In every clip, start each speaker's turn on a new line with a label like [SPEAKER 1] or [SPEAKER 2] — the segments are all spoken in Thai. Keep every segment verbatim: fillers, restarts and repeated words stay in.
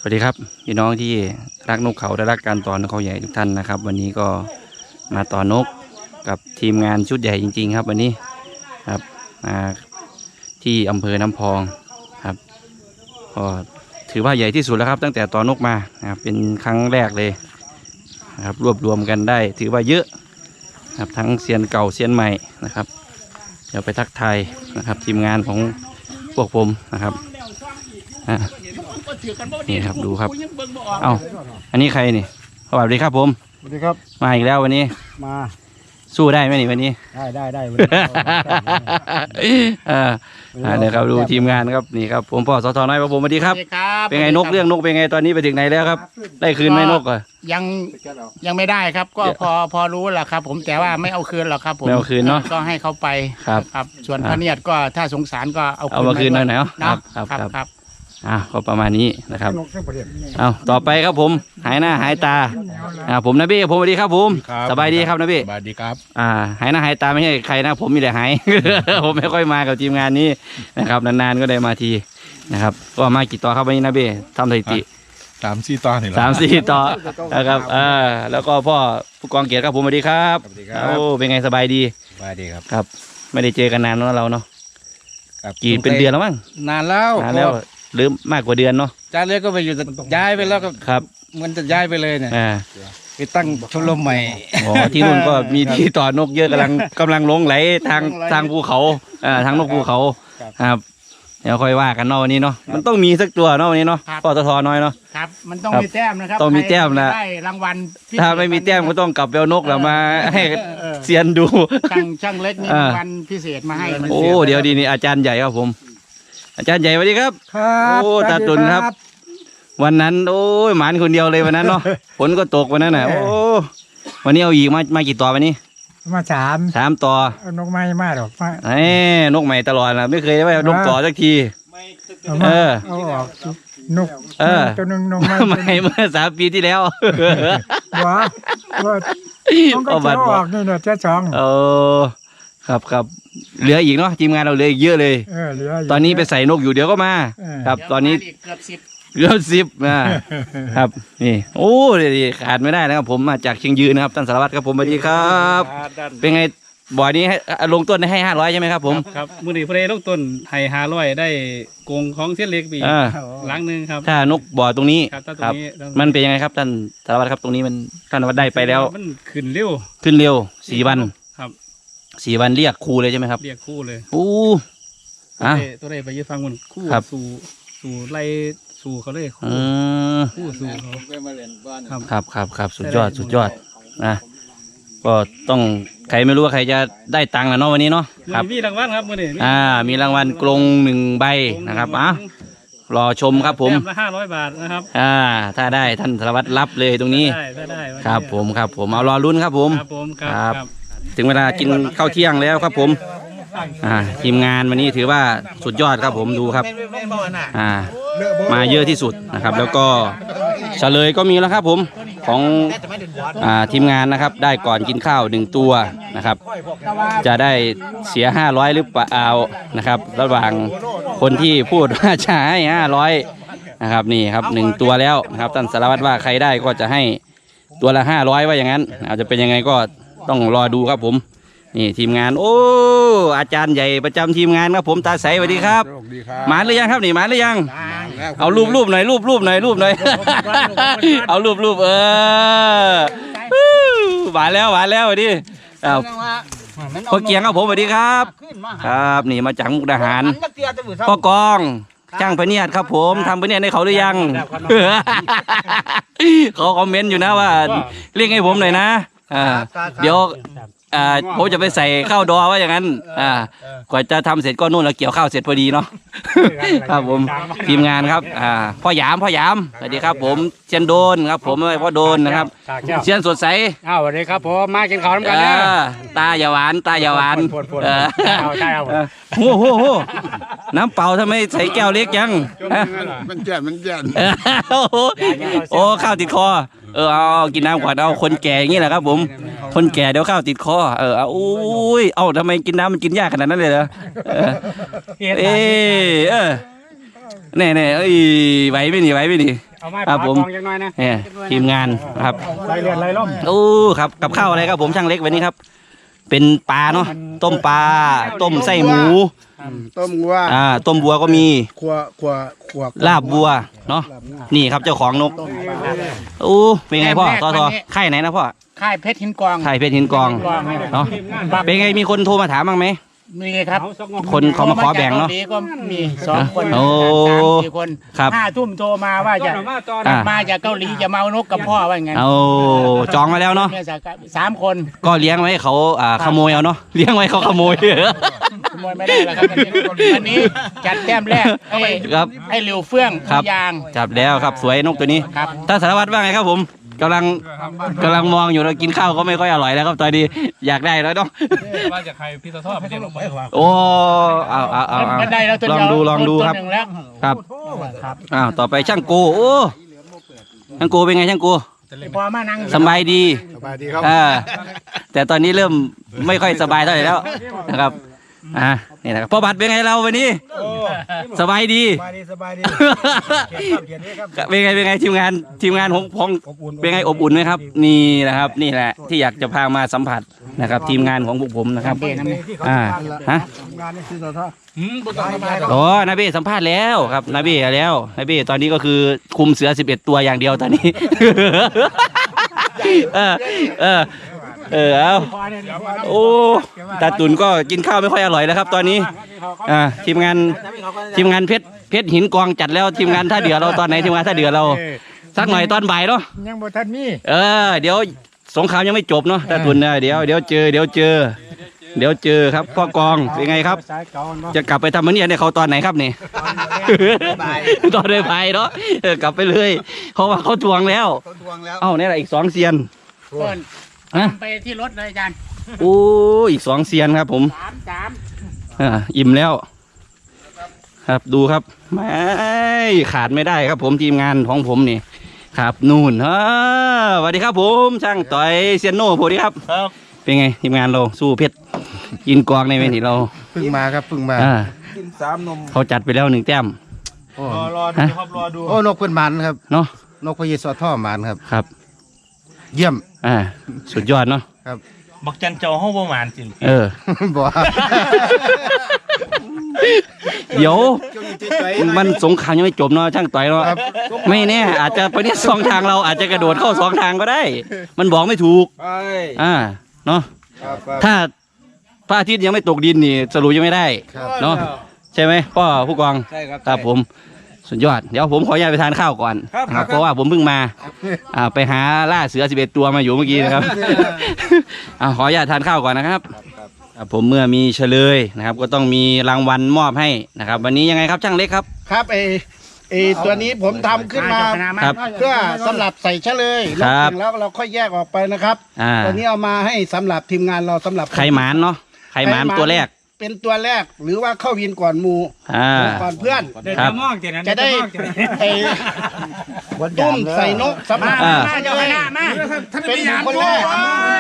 [SPEAKER 1] วัสดีครับพี่น้องที่รักนกเขาและรักการต่อนกเขาใหญ่ทุกท่านนะครับวันนี้ก็มาต่อนกกับทีมงานชุดใหญ่จริงๆครับวันนี้ครับมาที่อำเภอน้ำพองครับก็ถือว่าใหญ่ที่สุดแล้วครับตั้งแต่ต่อนกมานะครับเป็นครั้งแรกเลยนะครับรวบรวมกันได้ถือว่าเยอะครับทั้งเซียนเก่าเซียนใหม่นะครับเดี๋ยวไปทักทายนะครับทีมงานของพวกผมนะครับนี่ครับดูครับเอ้าอันนี้ใครนี่สวัสดีครับผม
[SPEAKER 2] สวัสดีครับ
[SPEAKER 1] มาอีกแล้ววันนี้
[SPEAKER 2] มา
[SPEAKER 1] สู้ได้ไหมนี่วันนี้
[SPEAKER 2] ได้ได้ได้
[SPEAKER 1] อ่าเดี๋ยวครับดูทีมงานครับนี่ครับผมพ่อสทน้อยครับผมสวัสดีครับเป็นไงนกเรื่องนกเป็นไงตอนนี้ไปถึงไหนแล้วครับได้คืนไหมนกอ่ะ
[SPEAKER 3] ยังยังไม่ได้ครับก็พอพอรู้แหละครับผมแต่ว่าไม่เอาคืนหรอกครับผม
[SPEAKER 1] ไม่เอาคืนเนาะ
[SPEAKER 3] ก็ให้เขาไป
[SPEAKER 1] ครับ
[SPEAKER 3] ครับส่วนพระเนียดก็ถ้าสงสารก็เอา
[SPEAKER 1] เอามาคืนหน่อยๆ
[SPEAKER 3] เนาะ
[SPEAKER 1] ครับ
[SPEAKER 3] ครับครับ
[SPEAKER 1] อ่าก็ประมาณนี้นะครับเอาต่อไปครับผมหายหน้าหายตาอ่าผมนะพี่ผมสวัสดีครับผมสบายดีครับนะพี่
[SPEAKER 2] สบายดีครับ
[SPEAKER 1] อ่าหายหน้าหายตาไม่ใช่ใครนะผมมีแต่หาย ผมไม่ค่อยมากับทีมงานนี้นะครับนานๆก็ได้มาทีนะครับก็มากี่ต่อครับวันนี้นะพี่ทำสถิติ
[SPEAKER 2] สามสี่ต่อนี่
[SPEAKER 1] สามสี่ต่อนะครับอ่าแล้วก็พ่อผู้กองเกียรติครับผมสวัสดีครับโอ้เป็นไงสบายดี
[SPEAKER 2] สบายดีครับ
[SPEAKER 1] ครับไม่ได้เจอกันนานแล้วเราเนาะกี่เป็นเดือนแล้วมั้ง
[SPEAKER 2] นานแล้ว
[SPEAKER 1] นานแล้วหรือมากกว่าเดือนเนาะ
[SPEAKER 2] จ้าเล็กก็ไปอยู่ย้ายไปแล้วก็
[SPEAKER 1] ครับ
[SPEAKER 2] มันจะย้ายไปเลยเนี่ยไปตั้งชมรมใหม่
[SPEAKER 1] อ๋อที่นู่นก็มีที่ต่อนกเยอะกำลังกำลังลงไหลทางทางภูเขาอ่าทางนกภูเขาครับเดี๋ยวค่อยว่ากันเนาะวันนี้เนาะมันต้องมีสักตัวเนาะวันนี้เนาะปตทน้อยเนาะ
[SPEAKER 3] ครับมันต้องมีแต้มนะครับ
[SPEAKER 1] ต้องมีแต้มนะ
[SPEAKER 3] ได้รางวัล
[SPEAKER 1] ถ้าไม่มีแต้มก็ต้องกลับไปเอานกแล้วมาให้เซียนดู
[SPEAKER 3] ช่างช่างเล็กมีรางวัลพิเศษมาให้
[SPEAKER 1] โอ้เดี๋ยวดีนี่อาจารย์ใหญ่ครับผมอาจารย์ใหญ่สวัสดีครับ
[SPEAKER 2] ครับ
[SPEAKER 1] โอ้ตาตุนครับวันนั้นโอ้ยหมานคนเดียวเลยวันนั้นเนาะฝนก็ตกวันนั้นน่ะโอ้วันนี้เอาอีกมามากี่ตัววันนี้
[SPEAKER 2] มาสาม
[SPEAKER 1] สามตั
[SPEAKER 2] วนกไม้มากหรอก
[SPEAKER 1] ไอ้นกใหม่ตลอดนะไม่เคยได้ว่านกต่อสักที
[SPEAKER 2] เออเอาออกนก
[SPEAKER 1] เออ
[SPEAKER 2] ตัวนึงนก
[SPEAKER 1] ใหม่เมื่อสามปีที่แล้ว
[SPEAKER 2] ว้าว่าต้องก็จะออกนี่เนี่ยเจ้าสอง
[SPEAKER 1] โอ้ครับครับเหลืออีกเนาะทีมงานเราเหลืออีกเยอะเลยตอนนี้ไปใส่นกอยู่เดี๋ยวก็มาครับตอนนี้
[SPEAKER 3] เกือบสิบ
[SPEAKER 1] เกือบสิบนะครับนี่โอ้ดีขาดไม่ได้นะครับผมมาจากเชียงยืนนะครับท่านสารวัตรครับผมสวัสดีครับเป็นไงบ่อยนี้ให้ลงต้นให้ห้าร้อยใช่ไหมครับผม
[SPEAKER 4] ครับมือหนีเพลลงต้นให้ห้าร้อยได้โกงของเส้นเล็กปีหลังหนึ่งครับ
[SPEAKER 1] ถ้านกบ่อตรงนี้ครับมันเป็นยังไงครับท่านสารวัตรครับตรงนี้มันท่านสารวัตรได้ไปแล้ว
[SPEAKER 4] มันขึ้นเร็ว
[SPEAKER 1] ขึ้นเร็วสี่วัน
[SPEAKER 4] ครับ
[SPEAKER 1] สี่วันเรียกครูเลยใช่ไหมครับ
[SPEAKER 4] เรียกคู่เลย
[SPEAKER 1] โอ้
[SPEAKER 4] อ่ะตัวใดไปยืดฟังมันคู่สู่สู่ไล่สู่เขาเลยคู่คู่สู่เขา
[SPEAKER 1] ครับครับครับสุดยอดสุดยอดนะก็ต้องใครไม่รู้ว่าใครจะได้ตังค์แล้วเนาะวันนี้เนาะ
[SPEAKER 4] ครับมีรางวัลครับมือนี้
[SPEAKER 1] อ่ามีรางวัลกรงหนึ่งใบนะครับอ่ะรอชมครับผม
[SPEAKER 4] แต้มละห้าร้อยบาทนะครับ
[SPEAKER 1] อ่าถ้าได้ท่านสารวัตรรับเลยตรงนี้
[SPEAKER 4] ได้ได้
[SPEAKER 1] ครับผมครับผมเอารอลุ้นครับผม
[SPEAKER 4] ครับผมครับ
[SPEAKER 1] ถึงเวลากินข้าวเที่ยงแล้วครับผมอ่าทีมงานวันนี้ถือว่าสุดยอดครับผมดูครับอ่ามาเยอะที่สุดนะครับแล้วก็เฉลยก็มีแล้วครับผมของอ่าทีมงานนะครับได้ก่อนกินข้าวหนึ่งตัวนะครับจะได้เสียห้าร้อยหรือเปล่านะครับระหว่างคนที่พูดว่าจะให้ห้าร้อยนะครับนี่ครับหนึ่งตัวแล้วนะครับท่านสารวัตรว่าใครได้ก็จะให้ตัวละห้าร้อยว่าอย่างนั้นอาจจะเป็นยังไงก็ต้องรอดูครับผมนี่ทีมงานโอ้อาจารย์ใหญ่ประจำทีมงานครับผมตาใสสวัสดีครับมาหรือยังครับนี่มาหรือยังเอารูปรูปหน่อยรูปรูปหน่อยรูปหน่อยเอารูปรูปเออหวานแล้วหวานแล้วดิเอาพ่อเกียงครับผมสวัสดีครับครับนี่มาจากมุกดาหารพ่อกองช่างพเนียดครับผมทำพเนียดให้เขาหรือยังเขาคอมเมนต์อยู่นะว่าเรียกให้ผมหน่อยนะอ่าเดี๋ยวอ่าผมจะไปใส่ข้าวดอว่าอย่างนั้นอ่ากว่าจะทำเสร็จก็นู่นแล้วเกี่ยวข้าวเสร็จพอดีเนาะครับผมทีมงานครับอ่าพ่อหยามพ่อหยามสวัสดีครับผมเชียนโดนครับผมพ่อโดนนะครับเชียนสดใส
[SPEAKER 3] อ้าวสวัสดีครับผมมากินข้าวน้ำกันนะ
[SPEAKER 1] ตาอย่าหวานตาอย่าหวานโอ้โหน้ำเปล่าทำไมใส่แก้วเล็กยัง
[SPEAKER 2] มันแก่มันแก่
[SPEAKER 1] โอ้ข้าวติดคอเออเอากินน้ำก่อนเอาคนแก่อย่างนี้แหละครับผมคนแก่เดี๋ยวข้าวติดคอเออเอาอุ้ยเอาทำไมกินน้ำมันกินยากขนาดนั้นเลยเหรอเออเออแน่แน่เอ้ยไหวไม่หนีไหวไม่หนี
[SPEAKER 4] เอาไม้
[SPEAKER 1] ครับ
[SPEAKER 4] ปา
[SPEAKER 1] ผม
[SPEAKER 4] กองอย่างน้อยนะ
[SPEAKER 1] เนี่ยทีมงานครับ
[SPEAKER 4] ไล่เลือดไล่ล่ม
[SPEAKER 1] โอ้ครับกับข้าวอะไรครับผมช่างเล็กวันนี้ครับ เป็นปลาเนาะต้มปลาต้มไส้หมู
[SPEAKER 5] ต้มวัว
[SPEAKER 1] อ่าต้มบัวก็มี
[SPEAKER 5] ขัวขัวขัว
[SPEAKER 1] ลาบบัวเนาะนี่ครับเจ้าของนกโอ้เป็นไงพ่อทอทอค่ายไหนนะพ่อ
[SPEAKER 3] ค่ายเพชรหินกอง
[SPEAKER 1] ค่ายเพชรหินกอง
[SPEAKER 3] กอง
[SPEAKER 1] เนาะเป็นไงมีคนโทรมาถามบ้างไหม
[SPEAKER 3] มีครับ
[SPEAKER 1] คนเขามาขอแบ่งเนาะ
[SPEAKER 3] โทรมจกกหลีก็มีสองคน
[SPEAKER 1] โอ้
[SPEAKER 3] สามสี่คน
[SPEAKER 1] ครับ
[SPEAKER 3] ห้าทุ่มโทรมาว่าจะ
[SPEAKER 1] อ่า
[SPEAKER 3] มาจากเกาหลีจะมาเอานกกับพ่อว่าอย่างงั้น
[SPEAKER 1] เอาจองมาแล้วเนาะ
[SPEAKER 3] เนี่ยสามคน
[SPEAKER 1] ก็เลี้ยงไว้ให้เขาอ่าขโมยเอาเนาะเลี้ยงไว้เขาขโมย
[SPEAKER 3] ขโมยไม่ได้แล้วครับวันนี้วันนี้จัดแต้มแรกให้
[SPEAKER 1] ครับ
[SPEAKER 3] ให้เหลียวเฟื่อง
[SPEAKER 1] ครับ
[SPEAKER 3] ยาง
[SPEAKER 1] จับแล้วครับสวยนกตัวนี้
[SPEAKER 3] ครับ
[SPEAKER 1] ท่านสารวัตรว่าไงครับผมกำลังกำลังมองอยู่เรากินข้าวก็ไม่ค่อยอร่อยแล้วครับตอนนี้อยากได้แล้วเนาะ
[SPEAKER 4] ว่าจะใครพี่ตะทอดไม่ได้ลงไป
[SPEAKER 1] โอ้เอาเอาเอาเอา
[SPEAKER 3] ก็ได้แล้วตัว
[SPEAKER 1] ลอง
[SPEAKER 3] เดียว
[SPEAKER 1] ดูลองดู
[SPEAKER 3] ตัว
[SPEAKER 1] ครับ
[SPEAKER 3] หนึ่งแล้ว
[SPEAKER 1] ครับ
[SPEAKER 3] ครับ
[SPEAKER 1] อ้าวต่อไปช่างโกโอ้ช่างโกเป็นไงช่างโก
[SPEAKER 3] พอมานั่ง
[SPEAKER 1] สบายดี
[SPEAKER 5] สบายดีครับ
[SPEAKER 1] อ่าแต่ตอนนี้เริ่มไม่ค่อยสบายเท่าไหร่แล้วนะครับอ่านี่นะครับพ่อบัตรเป็นไงเราวันนี้สบายดี
[SPEAKER 2] สบายดีสบายดีเขียนนี้ครับ
[SPEAKER 1] เป็นไงเป็นไงทีมงานทีมงานของของเป็นไงอบอุ่นไหมครับ นี่นะครับนี่แหละที่อยากจะพามาสัมผัสนะครับ ทีมงานของพวกผมนะครับ
[SPEAKER 2] ที่เขา
[SPEAKER 1] อ่าฮะ
[SPEAKER 2] งานนี่คือต่อท่า
[SPEAKER 4] อืมบุตรมา
[SPEAKER 1] โอ้นาเบ้สัมภาษณ์แล้วครับนาเบ้แล้วนาเบ้ตอนนี้ก็คือคุมเสือสิบเอ็ดตัวอย่างเดียวตอนนี้ เออเออเออเอาโอ้ตาตุนก็กินข้าวไม่ค่อยอร่อยแล้วครับ ตอนนี้อ่าทีมงานทีมงานเพชรเพชรหินกองจัดแล้วทีมงานท่าเดือเราตอนไหนทีมงานท่าเดือเราสักหน่อยตอนบ่ายเนาะ
[SPEAKER 2] ยังบ่ทันมี
[SPEAKER 1] เออเดี๋ยวสงครามยังไม่จบเนาะตาตุนนะเดี๋ยวเดี๋ยวเจอเดี๋ยวเจอ เดี๋ยวเจอครับพ่อกองเป็นไงครับ
[SPEAKER 2] สายเก่าเนาะ
[SPEAKER 1] จะกลับไปทำมันเนี่ยในเขาตอนไหนครับนี่ ตอนได้ไปเนาะเออกลับไปเลยเพราะว่าเขาทวงแล้ว
[SPEAKER 5] ต้นทวงแล้ว
[SPEAKER 1] เอ้าเนี่ยแหละอีกสองเซียน
[SPEAKER 3] เพิ่น
[SPEAKER 1] ฮะ
[SPEAKER 3] ไปที่รถเลยอาจารย์
[SPEAKER 1] โอ้อีกสองเซียนครับผม
[SPEAKER 3] สามสาม
[SPEAKER 1] อ่าอิ่มแล้ว ครับดูครับไม่ขาดไม่ได้ครับ ผมทีมงานของผมนี่ ครับนู่นฮ่าสวัสดีครับผมช่างต่อยเซียนโน่สวัสดีครับ
[SPEAKER 5] ครับ
[SPEAKER 1] เป็นไงทีมงานเราสู้เพชรยินกองในเวทีเรา
[SPEAKER 5] เพิ่งมาครับเพิ่งมา
[SPEAKER 1] อ่า
[SPEAKER 2] กินสามนม
[SPEAKER 1] เขาจัดไปแล้วหนึ่งแต้ม
[SPEAKER 5] โอ้
[SPEAKER 2] รอรอดูครับรอดู
[SPEAKER 5] โอ้นกเพื่อนหมันครับ
[SPEAKER 1] เนาะ
[SPEAKER 5] นกพยีสอท่อหมันครับ
[SPEAKER 1] ครับ
[SPEAKER 5] เยี่ยม
[SPEAKER 1] อ่าสุดยอดเนาะ
[SPEAKER 6] บักจันเจ้าห้องประมาณจริง
[SPEAKER 1] เออ
[SPEAKER 5] บ่
[SPEAKER 1] เดี๋ยวมันสงครามยังไม่จบเนาะช่างต่อยเนาะไม่แน่อาจจะไปเนี่ยสองทางเราอาจจะกระโดดเข้าสองทางก็ได้ มันบอกไม่ถูก
[SPEAKER 2] ไป
[SPEAKER 1] อ่าเนาะ
[SPEAKER 5] ครับ
[SPEAKER 1] ถ้าพระอาทิตย์ยังไม่ตกดินนี่สรุปยังไม่ได้
[SPEAKER 5] ครับ
[SPEAKER 1] เนาะใช่ไหมพ่อผู้กอง
[SPEAKER 2] ใช่ครับ
[SPEAKER 1] ครับผมสุดยอดเดี๋ยวผมขออนุญาตไปทานข้าวก่อน
[SPEAKER 2] ครับ
[SPEAKER 1] นะครับเพราะว่าผมเพิ่งมาอ่าไปหาล่าเสือสิบเอ็ดตัวมาอยู่เมื่อกี้นะครับ อ่าขออนุญาตทานข้าวก่อนนะครับครับผมเมื่อมีเฉลยนะครับ ก็ต้องมีรางวัลมอบให้นะครับ วันนี้ยังไงครับช่างเล็กครับ
[SPEAKER 3] ครับไอไอตัวนี้ผมทำขึ้นมา
[SPEAKER 1] ครับ
[SPEAKER 3] เพื่อสำหรับใส่เฉลย
[SPEAKER 1] ครั
[SPEAKER 3] แล้ว
[SPEAKER 1] บ
[SPEAKER 3] แล้วเราค่อยแยกออกไปนะครับ
[SPEAKER 1] อ่า
[SPEAKER 3] ตัวนี้เอามาให้สำหรับทีมงานเราสำหรับ
[SPEAKER 1] ไข่หมานเนาะไข่หมานตัวแรก
[SPEAKER 3] เป็นตัวแรกหรือว่าเข้าวินก่อนหมู
[SPEAKER 1] อ่า
[SPEAKER 3] ก่อนเพื่อน
[SPEAKER 2] เดี๋ยว
[SPEAKER 1] ครั
[SPEAKER 2] จะ
[SPEAKER 1] บ
[SPEAKER 2] มองเจนั้น
[SPEAKER 3] จะได้
[SPEAKER 2] มองเจนั้น
[SPEAKER 3] ไอ้ตุ้มใส่นกสำหรับ
[SPEAKER 1] อ่า
[SPEAKER 3] เจ้าคณะมาเป็นคนแรก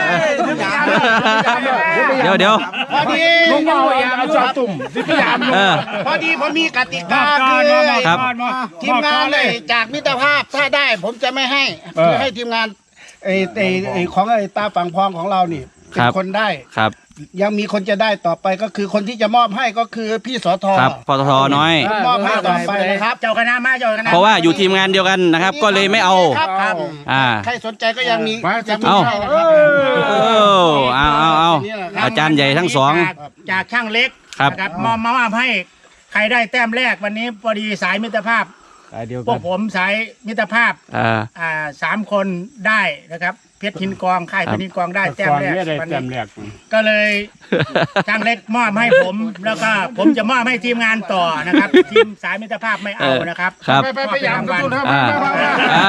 [SPEAKER 1] เดี๋ยวเดี๋ยว
[SPEAKER 3] พอดี
[SPEAKER 2] ลุงเอายามจอตุ่มสิพยายาม
[SPEAKER 1] เออ
[SPEAKER 3] พอดีผมมีกติ
[SPEAKER 2] ม
[SPEAKER 3] กา
[SPEAKER 2] อบก่อ
[SPEAKER 3] คื
[SPEAKER 2] น
[SPEAKER 3] อ
[SPEAKER 2] มอบ
[SPEAKER 1] ครับ
[SPEAKER 2] ก่อนมอบ
[SPEAKER 3] ทีมงานเลยจากมิตรภาพถ้าได้ ผมจะไม่ให้เพื่อให้ทีมงานไอ้ไอ้ไอ้ของไอ้ตาฝั่งพองของเรานี่เป็นคนได้
[SPEAKER 1] ครับ
[SPEAKER 3] ยังมีคนจะได้ต่อไปก็คือคนที่จะมอบให้ก็คือพี่สท
[SPEAKER 1] ครับปตทน้อย
[SPEAKER 3] มอบให้ต่อไปนะครับเจ้าคณะมาเจ้าคณะ
[SPEAKER 1] เพราะว่าอยู่ทีมงานเดียวกันนะครับ ก็เลยไม่เอา
[SPEAKER 3] ครับครับ
[SPEAKER 1] อ่า
[SPEAKER 3] ใครสนใจก็ยังมียังมี
[SPEAKER 1] เอ้า
[SPEAKER 3] ให้นะค
[SPEAKER 1] เอ
[SPEAKER 3] รับ
[SPEAKER 1] อเอาเอาเอาอาจารย์ใหญ่ทั้งสอง
[SPEAKER 3] จากจากช่างเล็ก
[SPEAKER 1] ครับ
[SPEAKER 3] นะครับมอบมามอบให้ใครได้แต้มแรกวันนี้พอดีสายมิตรภาพ
[SPEAKER 2] เดียว
[SPEAKER 3] พวกผมสายมิตรภาพ
[SPEAKER 1] อ่า
[SPEAKER 3] อ่าสามคนได้นะครับเพชรหินกองค่ายเพชรหินกองได้แต้มแรกวันนี้ก็เลยช่างเล็กมอบให้ผม แล้วก็ผมจะมอบให้ทีมงานต่อนะครับ ทีมสายมิตรภาพไม่เอานะครับ
[SPEAKER 1] ครับ
[SPEAKER 3] ไปไปไปยามกัน
[SPEAKER 1] อ่าอ่า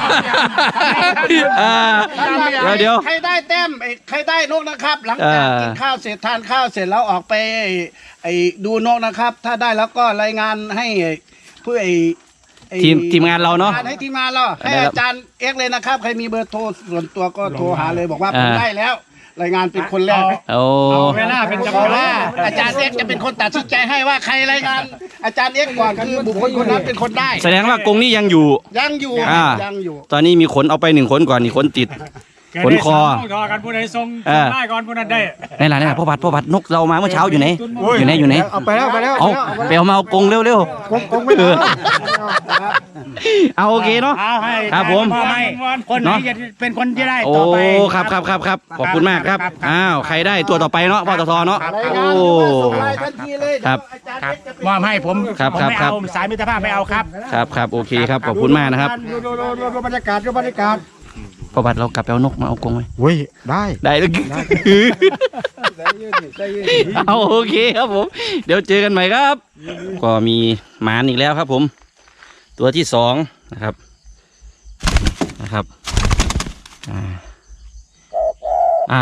[SPEAKER 1] อ่าเดี๋ยวเดี๋ยว
[SPEAKER 3] ใครได้แต้มไอ้ใครได้นกนะครับ หลังจาก
[SPEAKER 1] เออ
[SPEAKER 3] กินข้าวเสร็จทานข้าวเสร็จแล้วออกไปไอ้ไอ้ดูนกนะครับ ถ้าได้แล้วก็รายงานให้เพื่อไอ้ไอ้
[SPEAKER 1] ทีมทีมงานเราเนาะ
[SPEAKER 3] ให้ทีมงานเราให้
[SPEAKER 1] ได้ครับ
[SPEAKER 3] อาจารย์เอ็กซ์เลยนะครับ ใครมีเบอร์โทรส่วนตัวก็โทรหาเลยบอกว่า
[SPEAKER 1] อ่า
[SPEAKER 3] ผมได้แล้ว
[SPEAKER 7] รายงานเป็นคนแรก
[SPEAKER 1] โอ้
[SPEAKER 3] เอาเวลาเป็น
[SPEAKER 7] เพ
[SPEAKER 3] กำ
[SPEAKER 7] ราะ
[SPEAKER 3] ลั
[SPEAKER 7] ว่าง อาจารย์เอ็กซ์จะเป็นคนตัดสินใจให้ว่าใครรายงานอาจารย์เอ็กซ์ก่อนคือบุคคลคนนั้นเป็นคนได้
[SPEAKER 1] แสดงว่ากรงนี้ยังอยู่
[SPEAKER 7] ยังอยู่
[SPEAKER 1] อ่า
[SPEAKER 7] ยังอยู่
[SPEAKER 1] ตอนนี้มีขนเอาไปหนึ่งขนก่อนนี่ขนติด ขนคอ
[SPEAKER 3] รอกันผู้ใดทรง
[SPEAKER 1] เออ
[SPEAKER 3] ได้ก่อนผู้นั้นได้
[SPEAKER 1] นี่แหละนี่แหละพ่อบัดพ่อบัดนกเรามาเมื่อเช้าอยู่ไหนอยู่ไหนอยู่ไหน
[SPEAKER 2] เอาไปแล้วไปแล้ว
[SPEAKER 1] เอาไปเอามาเอากรงเร็วเร็ว
[SPEAKER 2] กงกงไม่ได้
[SPEAKER 1] เอาโอเคเนาะ
[SPEAKER 3] เอาให้
[SPEAKER 1] ครับผม
[SPEAKER 3] พ่อให้คนไหน
[SPEAKER 1] เนาะ
[SPEAKER 3] จะเป็นคนที่ได้
[SPEAKER 1] โอ้
[SPEAKER 3] ต่อไป
[SPEAKER 1] ครับครับครับครับขอบคุณมากครับ
[SPEAKER 3] ครับ
[SPEAKER 1] อ้าวใครได้ตัวต่อไปเนาะปตทเนาะ
[SPEAKER 7] ราย
[SPEAKER 1] โอ้
[SPEAKER 7] งานคือว่าส่งไลน์ทันทีเลย
[SPEAKER 1] ครับ
[SPEAKER 7] อาจารย์
[SPEAKER 3] ครับ
[SPEAKER 7] เอ็กซ์จะเป็น
[SPEAKER 3] มอบให้ผม
[SPEAKER 1] ครับ
[SPEAKER 3] ผม
[SPEAKER 1] ครับ
[SPEAKER 3] ไม่
[SPEAKER 1] ครับ
[SPEAKER 3] เอาสายมิตรภาพไม่เอาครับ
[SPEAKER 1] ครับครับโอเคครับขอบคุณมากนะครับ
[SPEAKER 2] ดูดูดูดูดูบรรยากาศดูบรรยากาศ
[SPEAKER 1] พ่อบัดเรากลับไปเอานกมาเอากรงไหม
[SPEAKER 2] เว้ยได้
[SPEAKER 1] ได้เลยเอาโอเคครับผม เดี๋ยวเจอกันใหม่ครับ ก็มีหมานอีกแล้วครับผม ตัวที่สองนะครับนะครับอ่าอ่า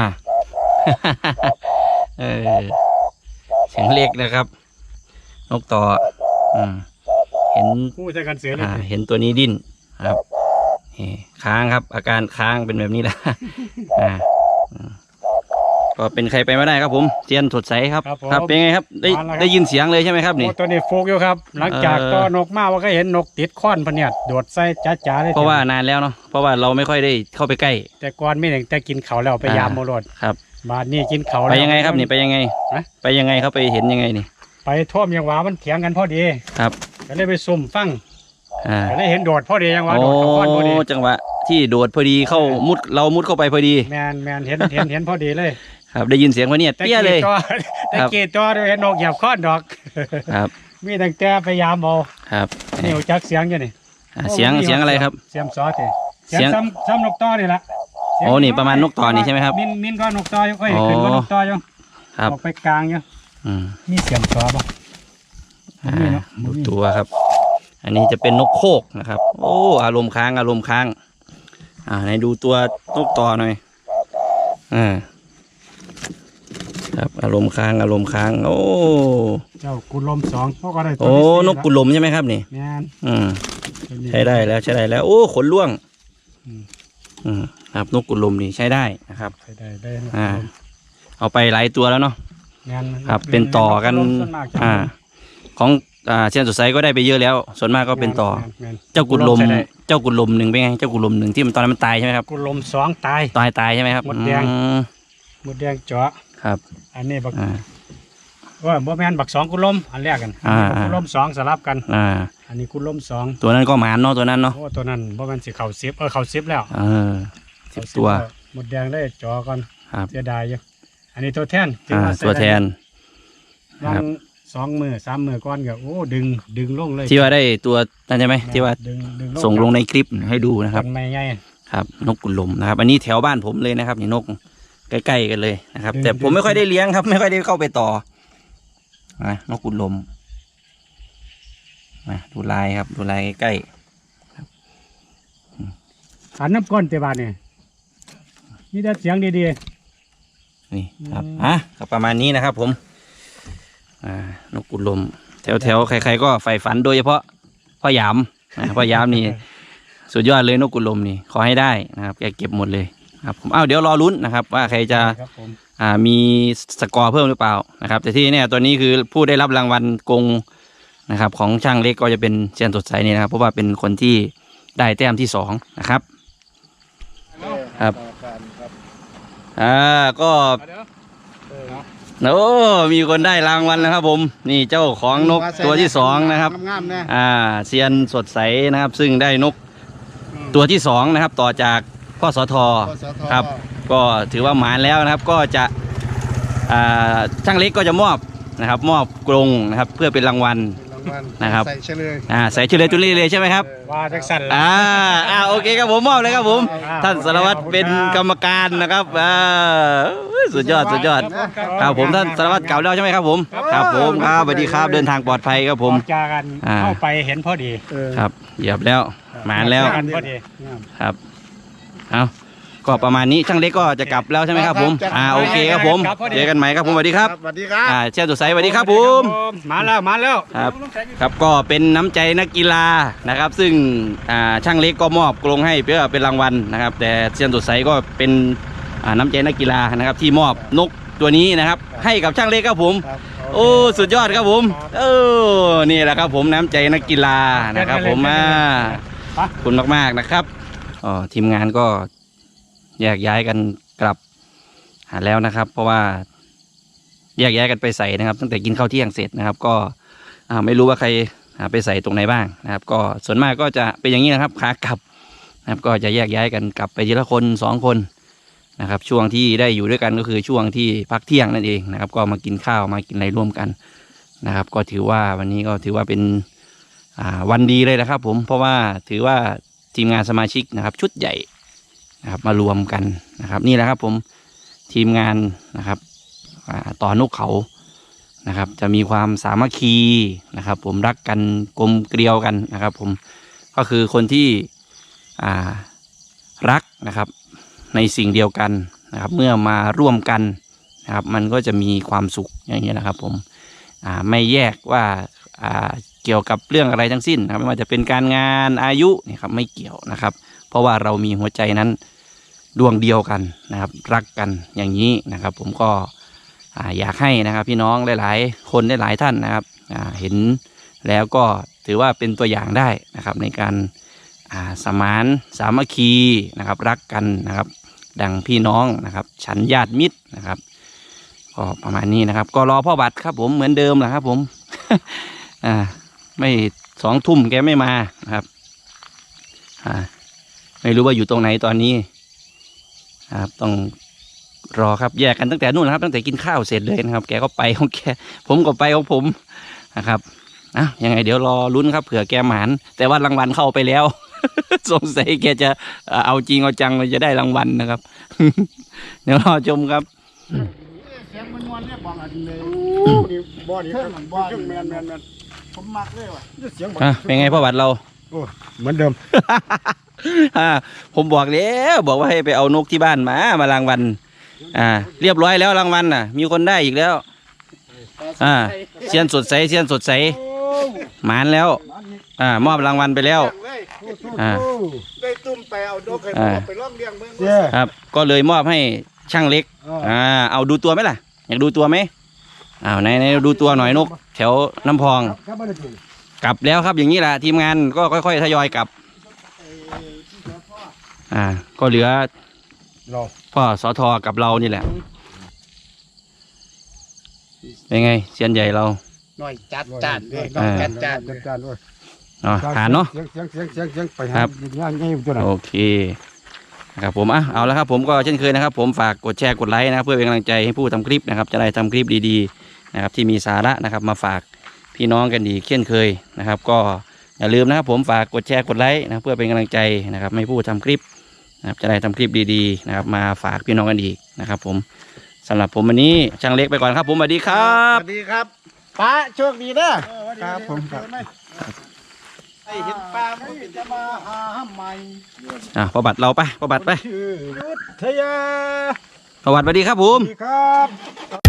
[SPEAKER 1] เออเสียงเล็กนะครับ นกต่ออืมเห็น
[SPEAKER 3] ผู้ใช้กันเสือเลย
[SPEAKER 1] อ่าเห็นตัวนี้ดิ้นครับนี่ค้างครับ อาการค้างเป็นแบบนี้แหละ อ่าอืมก็เป็นใครไปไม่ได้ครับผมเจียนสดใสครับครับเป็นไงครับได้ได้ยินเสียงเลยใช่ไหมครับนี่
[SPEAKER 4] โอ้ตัวนี้โฟกอยู่ครับ หลังจาก
[SPEAKER 1] เออ
[SPEAKER 4] ตัวนกมาว่าก็เห็นนกติดค้อนพะเนี่ยโดดใส่จ้าๆเลย
[SPEAKER 1] เพราะว่านานแล้วเนาะเพราะว่าเราไม่ค่อยได้เข้าไปใกล้
[SPEAKER 4] แต่ก่อนไม่ถึงแต่กินเขาวแล้วไป
[SPEAKER 1] อ่าย
[SPEAKER 4] ยามโมรด
[SPEAKER 1] ครับ
[SPEAKER 4] บาดนี้กินเขาว
[SPEAKER 1] ไป
[SPEAKER 4] แล้ว
[SPEAKER 1] ยังไงครับนี่ไปยังไง
[SPEAKER 4] ฮะ
[SPEAKER 1] ไปยังไงเขาไปเห็นยังไงนี่
[SPEAKER 4] ไปท่วมยังหวามันเถียงกันพอดี
[SPEAKER 1] ครับ
[SPEAKER 4] ก็เลยไปซุ่มฟัง
[SPEAKER 1] อ่า
[SPEAKER 4] ก็เลยเห็นโดดพอดียังหวา
[SPEAKER 1] โอ้
[SPEAKER 4] โดดเขาค้อนพอดี
[SPEAKER 1] จังหวะที่โดดพอดีเข้ามุดเรามุดเข้าไปพอดี
[SPEAKER 4] แมนแมนเห็นเห็นเห็นพอดีเลย
[SPEAKER 1] ครับได้ยินเสียงพะเนี่ย
[SPEAKER 4] แต่
[SPEAKER 1] เปี้ยเลย
[SPEAKER 4] กีดตัวแต่กีดตัวเห็นนกเหยียบค้อนดอก
[SPEAKER 1] ครับ
[SPEAKER 4] มีตั้งแต่พยายามเอา
[SPEAKER 1] ครับ
[SPEAKER 4] นี่รู้จักเสียงอยู่นี่
[SPEAKER 1] อ่าเสียงเสียงอะไรครับ
[SPEAKER 4] เสียงซอสนี่
[SPEAKER 1] เสี
[SPEAKER 4] เสี
[SPEAKER 1] ย
[SPEAKER 4] ย
[SPEAKER 1] ง
[SPEAKER 4] งซ้ำซ้ำนกต่อนี่ละเสียง
[SPEAKER 1] โอ้นี่ประมาณนกต่อนี่ใช่ไหมครับ
[SPEAKER 4] มินมินก็นกต่ออยู่ค่อย
[SPEAKER 1] อ๋อ
[SPEAKER 4] ขึ้นก็นกต่ออยู่
[SPEAKER 1] ครับ
[SPEAKER 4] ออกไปกลางอยู่
[SPEAKER 1] อืม
[SPEAKER 4] มีเสียงซอป่ะ
[SPEAKER 1] อ่า
[SPEAKER 4] มีเนาะ
[SPEAKER 1] ดูตัวครับ อันนี้จะเป็นนกโคกนะครับ โอ้อารมณ์ค้างอารมณ์ค้าง อ่าไหนดูตัวนกต่อหน่อยอ่าครับอารมณ์ค้างอารมณ์ค้าง โอ้
[SPEAKER 4] เจ้ากุลมสองพวกก็ได้ตัว
[SPEAKER 1] โอ้
[SPEAKER 4] ที่สี่
[SPEAKER 1] นกกุลมใช่ไหมครับนี่
[SPEAKER 4] แม่น
[SPEAKER 1] อืม
[SPEAKER 4] ตัวนี้
[SPEAKER 1] ใช้ได้แล้วใช้ได้แล้ว โอ้ขนล่วง
[SPEAKER 4] อืม
[SPEAKER 1] อืมครับนกกุลมนี่ใช้ได้นะครับ
[SPEAKER 4] ใช้ได้ได้นก
[SPEAKER 1] อ่า
[SPEAKER 4] กุลม
[SPEAKER 1] เอาไปหลายตัวแล้วเนาะ
[SPEAKER 4] แม่น
[SPEAKER 1] ครับ เป็นต่อกัน
[SPEAKER 4] กกุลมส่วนมากจะ
[SPEAKER 1] อ่า ของอ่าเชียนสดใสก็ได้ไปเยอะแล้ว ส่วนมากก็เป็นต่อ
[SPEAKER 4] แม่แม่น
[SPEAKER 1] เจ้ากุลม
[SPEAKER 4] ใช้ได้
[SPEAKER 1] เจ้ากุลมหนึ่งเป็นไง เจ้ากุลมหนึ่งที่มันตอนนั้นมันตายใช่ไหมครับ
[SPEAKER 4] กุลมสองตาย
[SPEAKER 1] ตายตายใช่ไหมครับ
[SPEAKER 4] หมดแดง
[SPEAKER 1] อืม
[SPEAKER 4] หมดแดงเจาะ
[SPEAKER 1] ครับ
[SPEAKER 4] อันนี้บัก
[SPEAKER 1] อ่า
[SPEAKER 4] ว่าบ่แม่นบักสองกุลมอันแรกกัน
[SPEAKER 1] อ่า
[SPEAKER 4] อันนี้บักกุลมสองสลับกัน
[SPEAKER 1] อ่า
[SPEAKER 4] อันนี้กุลมสอง
[SPEAKER 1] ตัวนั้นก็หมานเนาะตัวนั้นเนาะ
[SPEAKER 4] โอ้ตัวนั้นบ่แม่นสิเข่าซิบเออเข่าซิบแล้ว
[SPEAKER 1] เออสิบตัว
[SPEAKER 4] หมดแดงได้เจาะก่อน
[SPEAKER 1] ครับ
[SPEAKER 4] เสียดายอยู่อันนี้ตัวแทนถื
[SPEAKER 1] อ่า
[SPEAKER 4] ว่าใส่
[SPEAKER 1] ตัวแทน
[SPEAKER 4] ได้
[SPEAKER 1] ครับ
[SPEAKER 4] วางสองมือสามมือก้อนก็โอ้ดึงดึงลงเลย
[SPEAKER 1] ที่ว่าได้ตัวนั่นใช่ไหมที่ว่า
[SPEAKER 4] ดึงดึง
[SPEAKER 1] ส่งลงในคลิปให้ดูนะครับ
[SPEAKER 4] ต้นไม้ใหญ่
[SPEAKER 1] ครับ นกกุลมนะครับ อันนี้แถวบ้านผมเลยนะครับนี่นกใกล้ๆกันเลยนะครับ
[SPEAKER 4] ดึง
[SPEAKER 1] แต่ผม
[SPEAKER 4] ดึง
[SPEAKER 1] ไม่ค่อยได้เลี้ยงครับ ไม่ค่อยได้เข้าไปต่อนะนกกุลมนะดูลายครับ ดูลายใกล้
[SPEAKER 4] อันน้ำก้นเตบานเนี่ยมีแต่เสียงดี
[SPEAKER 1] ๆนี่ครับอ่ะก็ประมาณนี้นะครับ ผมอ่านกกุลมแถวแถวๆใครๆก็ใฝ่ฝันโดยเฉพาะพ่อหยามนะพ่อหยามนี่ สุดยอดเลยนกกุลมนี่ขอให้ได้นะครับแกเก็บหมดเลยครับผมอ้าวเดี๋ยวรอลุ้นนะครับ ว่าใครจะ
[SPEAKER 4] ๆครับผม
[SPEAKER 1] อ่ามีสกอร์เพิ่มหรือเปล่านะครับ แต่ที่เนี่ยตัวนี้คือผู้ได้รับรางวัลกงนะครับ ของช่างเล็กก็จะเป็นเชียนสดใสนี่นะครับ เพราะว่าเป็นคนที่ได้แต้มที่สองนะครับครับอ่าก็โอ้มีคนได้รางวัลนะครับ ผมนี่เจ้าของนกตัวที่สองนะครับ
[SPEAKER 7] งามๆนะ
[SPEAKER 1] อ่าเซียนสดใสนะครับ ซึ่งได้นกตัวที่สองนะครับ ต่อจากพ่อสท
[SPEAKER 7] ปสท
[SPEAKER 1] ครับ ก็ถือว่าหมานแล้วนะครับ ก็จะอ่าช่างเล็กก็จะมอบนะครับ มอบกรงนะครับ เพื่อเป็นรางวัล
[SPEAKER 7] รางวัล
[SPEAKER 1] นะครับ
[SPEAKER 7] ใส่เฉลย
[SPEAKER 1] อ่าใส่ชื่อเลยตุลี่เลยใช่ไหมครับ
[SPEAKER 4] ว่าจักสั่นละ
[SPEAKER 1] อ่าอ่าโอเคครับผมมอบเลยครับผม ท่านสารวัตรเป็นกรรมการนะครับอ่าสุดยอดสุดยอดครับผมท่านสารวัตรเก่าแล้วใช่ไหมครับผมครับผมครับสวัสดีครับเดินทางปลอดภัยครับผม
[SPEAKER 4] ออกจากกัน
[SPEAKER 1] อ่า
[SPEAKER 4] เข้าไปเห็นพอดี
[SPEAKER 1] ครับเหยียบแล้วหมานแล้ว
[SPEAKER 4] ออกจากกันพอดี
[SPEAKER 1] ครับ เอาก็ประมาณนี้ช่างเล็กก็จะกลับแล้วใช่ไหมครับผม อ่าโอเคครับผม เจอกันใหม่ครับผมสวัสดีครับ
[SPEAKER 7] สวัสดีครับ
[SPEAKER 1] อ่าเชียร์สดใสสวัสดีครับผม
[SPEAKER 4] มาแล้วมาแล้ว
[SPEAKER 1] ครับ ครับก็เป็นน้ำใจนักกีฬานะครับ ซึ่งอ่าช่างเล็กก็มอบกรงให้เพื่อเป็นรางวัลนะครับ แต่เชียร์สดใสก็เป็นอ่าน้ำใจนักกีฬานะครับที่มอบนกตัวนี้นะครับให้กับช่างเล็กครับผมโอ้สุดยอดครับผมเออนี่แหละครับผมน้ำใจนักกีฬานะครับผมอ่าขอบคุณมากๆนะครับอ๋อทีมงานก็แยกย้ายกันกลับหาแล้วนะครับ เพราะว่าแยกย้ายกันไปใส่นะครับ ตั้งแต่กินข้าวเที่ยงเสร็จนะครับ ก็อ่าไม่รู้ว่าใครไปใส่ตรงไหนบ้างนะครับ ก็ส่วนมากก็จะเป็นอย่างนี้นะครับขากลับนะครับก็จะแยกย้ายกันกลับไปทีละคนสองคนนะครับช่วงที่ได้อยู่ด้วยกันก็คือช่วงที่พักเที่ยงนั่นเองนะครับก็มากินข้าวมากินอะไรร่วมกันนะครับก็ถือว่าวันนี้ก็ถือว่าเป็นวันดีเลยนะครับผมเพราะว่าถือว่าทีมงานสมาชิกนะครับชุดใหญ่นะครับมารวมกันนะครับนี่แหละครับผมทีมงานนะครับต่อนกเขานะครับจะมีความสามัคคีนะครับผมรักกันกลมเกลียวกันนะครับผมก็คือคนที่รักนะครับในสิ่งเดียวกันนะครับเมื่อมาร่วมกันนะครับมันก็จะมีความสุขอย่างนี้นะครับผมไม่แยกว่าเกี่ยวกับเรื่องอะไรทั้งสิ้นนะครับไม่ว่าจะเป็นการงานอายุนี่ครับไม่เกี่ยวนะครับเพราะว่าเรามีหัวใจนั้นดวงเดียวกันนะครับรักกันอย่างนี้นะครับผมก็อยากให้นะครับพี่น้องหลายๆคนหลายๆท่านนะครับเห็นแล้วก็ถือว่าเป็นตัวอย่างได้นะครับในการสมานสามัคคีนะครับรักกันนะครับดังพี่น้องนะครับฉันญาติมิตรนะครับก็ประมาณนี้นะครับก็รอพ่อบัตรครับผมเหมือนเดิมแหละครับผม อ่าไม่สองทุ่มแกไม่มานะครับอ่าไม่รู้ว่าอยู่ตรงไหนตอนนี้ครับต้องรอครับแยกกันตั้งแต่นู่นนะครับตั้งแต่กินข้าวเสร็จเลยนะครับแกก็ไปของแกผมก็ไปของผมนะครับอ่ะยังไงเดี๋ยวรอลุ้นครับเผื่อแกหมานแต่ว่ารางวัลเข้าไปแล้ว สงสัยแกจะเอาจริงเอาจังเลยจะได้รางวัลนะครับ เดี๋ยวรอชมครับ
[SPEAKER 7] เสียงมันนวลเนี่ยบอกอันเลยนี่บ่อนี่บ่อนี่แมนแมนแมนผมมักเลยว่ะเสียง
[SPEAKER 1] อ่ะเป็นไงพ่อบัตรเรา
[SPEAKER 2] โอ้เหมือนเดิม
[SPEAKER 1] อ่าผมบอกแล้วบอกว่าให้ไปเอานกที่บ้านมามารางวัลอ่าเรียบร้อยแล้วรางวัลน่ะมีคนได้อีกแล้วอ่าเซียนสดใสเซียนสดใสหมานแล้วอ่ามอบรางวัลไปแล้วอ่า
[SPEAKER 7] ได้ตุ้มไปเอาดอกให้ไปล่องเลี้ยงเมือง
[SPEAKER 1] ครับก็เลยมอบให้ช่างเล็กอ่าเอาดูตัวไหมล่ะอยากดูตัวไหมอ้าวไหนไหนดูตัวหน่อยนกแถวน้ำพองกลับแล้วครับอย่างนี้แหละทีมงานก็ค่อยๆทยอยกลับอ่าก็เหลือพ่อสทกับเรานี่แหละเป็นไงเซียนใหญ่เรา
[SPEAKER 7] หน่อยจัดจานด้วยหน่อยจัดจานด้วย
[SPEAKER 2] จานด้วย
[SPEAKER 1] อ๋อผ่านเนาะ
[SPEAKER 2] เสียงเสียงเสียงเสียงเสียงไปหาง่ายง่ายตัวไหน
[SPEAKER 1] โอเคนะครับผมอ่ะเอาละครับผมก็เช่นเคยนะครับผมฝากกดแชร์กดไลค์นะครับเพื่อเป็นกำลังใจให้ผู้ทำคลิปนะครับจะได้ทำคลิปดีๆนะครับที่มีสาระนะครับมาฝากพี่น้องกันดีเช่นเคยนะครับก็อย่าลืมนะครับผมฝากกดแชร์กดไลค์นะเพื่อเป็นกำลังใจนะครับให้ผู้ทำคลิปนะครับจะได้ทำคลิปดีๆนะครับมาฝากพี่น้องกันอีกนะครับผมสำหรับผมวันนี้ช่างเล็กไปก่อนครับผมสวัสดีครับ
[SPEAKER 7] สวัสดีครับป้าโชคดีนะครับ
[SPEAKER 2] ผมครับ
[SPEAKER 7] ไอเห็นป้ามันจะมาหาห้ามใหม่
[SPEAKER 1] อ่ะพอบัตรเราไปพอบัตรไป
[SPEAKER 2] ชื่อยุทธยา
[SPEAKER 1] พอบัตรสวัสดีครับผม
[SPEAKER 2] สวัสดีครับ